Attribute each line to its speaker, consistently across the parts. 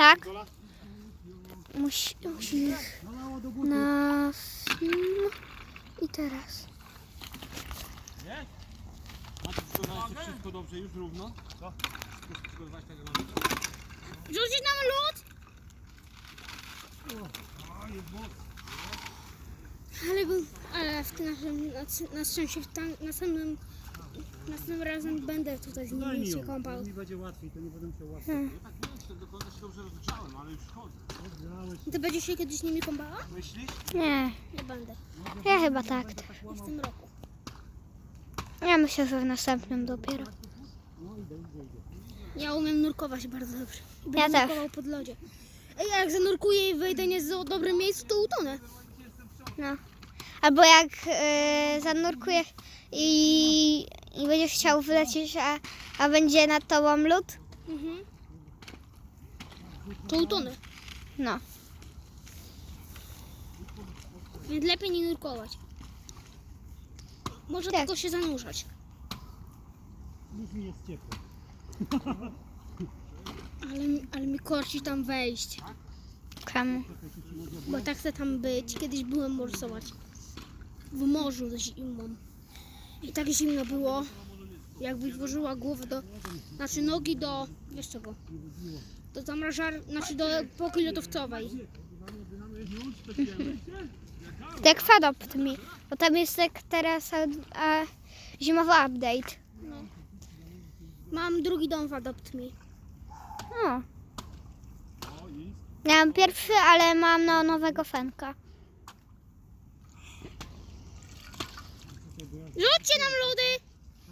Speaker 1: Tak? Musi na film i teraz.
Speaker 2: Nie? Macie przygotowaliście wszystko dobrze, już równo? Co? Wszystko przygotować tak, że mamy...
Speaker 3: Rzucić nam lód? Ale w tym na szczęście następnym razem będę tutaj z nimi się kąpał.
Speaker 4: Mi będzie łatwiej, to nie będę musiał łatwiej.
Speaker 2: Ja tak nie wiem, czy do końca się dobrze rozgrzałem, ale już chodzę.
Speaker 3: Ty będziesz się kiedyś nimi kąpała?
Speaker 2: Myślisz?
Speaker 1: Nie,
Speaker 3: Nie będę.
Speaker 1: ja chyba tak.
Speaker 3: Nie w tym roku.
Speaker 1: Ja myślę, że w następnym dopiero.
Speaker 3: Ja umiem nurkować bardzo dobrze. Będę
Speaker 1: Ja też.
Speaker 3: nurkował pod lodzie. Ej, a jak zanurkuję i wejdę nie w dobrym miejscu, to utonę.
Speaker 1: No. Albo jak zanurkujesz i będziesz chciał wylecieć, a będzie nad tobą lód,
Speaker 3: To utonę.
Speaker 1: no.
Speaker 3: Więc lepiej nie nurkować. Może
Speaker 1: Tak.
Speaker 3: tylko się zanurzać.
Speaker 4: Już mi jest ciepło.
Speaker 3: Ale mi korci tam wejść.
Speaker 1: Czemu?
Speaker 3: Bo tak chcę tam być. Kiedyś byłem morsować. W morzu z zimą. I tak zimno było. Jakbyś włożyła głowę znaczy nogi do, wiesz czego? Do znaczy do epoki lodowcowej.
Speaker 1: Jak Fadopt mi, bo tam jest tak teraz zimowy update.
Speaker 3: Mam drugi dom w Adopt Me.
Speaker 1: No. Miałam pierwszy, ale mam nowego Fenka.
Speaker 3: Rzućcie nam lody!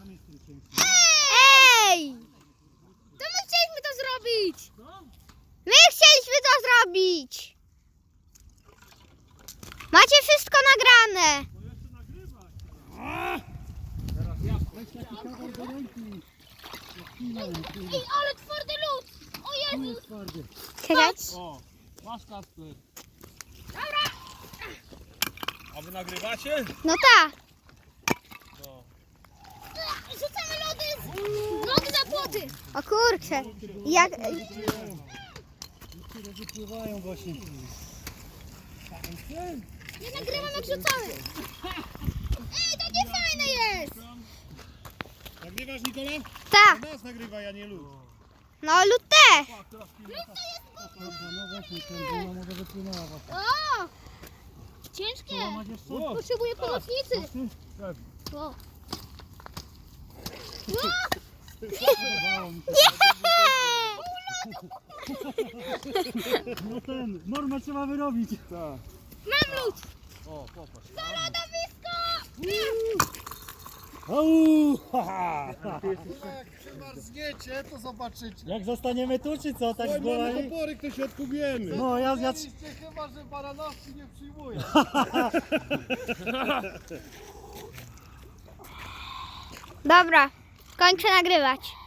Speaker 1: Ej!
Speaker 3: To my chcieliśmy to zrobić!
Speaker 1: My chcieliśmy to zrobić! Macie wszystko nagrane!
Speaker 3: Ej, ale twardy lód! O Jezus!
Speaker 1: Czekaj.
Speaker 2: O, masz Kasper. Dobra. A wy nagrywacie?
Speaker 1: No tak.
Speaker 2: No.
Speaker 3: Rzucamy lody za płoty!
Speaker 1: O kurczę. Jak...
Speaker 4: Niektóre wypływają właśnie.
Speaker 3: Nie nagrywam jak rzucamy! Ej, to nie fajne jest!
Speaker 2: Nagrywasz, Nikola?
Speaker 1: Tak.
Speaker 2: Nas nagrywa, ja nie lud.
Speaker 1: No lód też.
Speaker 4: No właśnie, ten może wypłynęła właśnie.
Speaker 3: O! Ciężkie!
Speaker 4: Masz jeszcze?
Speaker 3: Potrzebuję pomocnicy! O.
Speaker 4: Podobało mi się. No ten, normę trzeba wyrobić.
Speaker 2: Tak.
Speaker 3: Mam lód!
Speaker 2: O, popatrz.
Speaker 3: Lodowisko!
Speaker 4: Au! Haha!
Speaker 2: Jak przemarzniecie, to zobaczycie.
Speaker 4: Jak zostaniemy tu, czy co? Tak z
Speaker 2: Oj, mamy
Speaker 4: głowami?
Speaker 2: topory, ktoś odkubujemy.
Speaker 4: No, ja...
Speaker 2: Chyba, że baranowski nie przyjmuje.
Speaker 1: Dobra. Kończę nagrywać.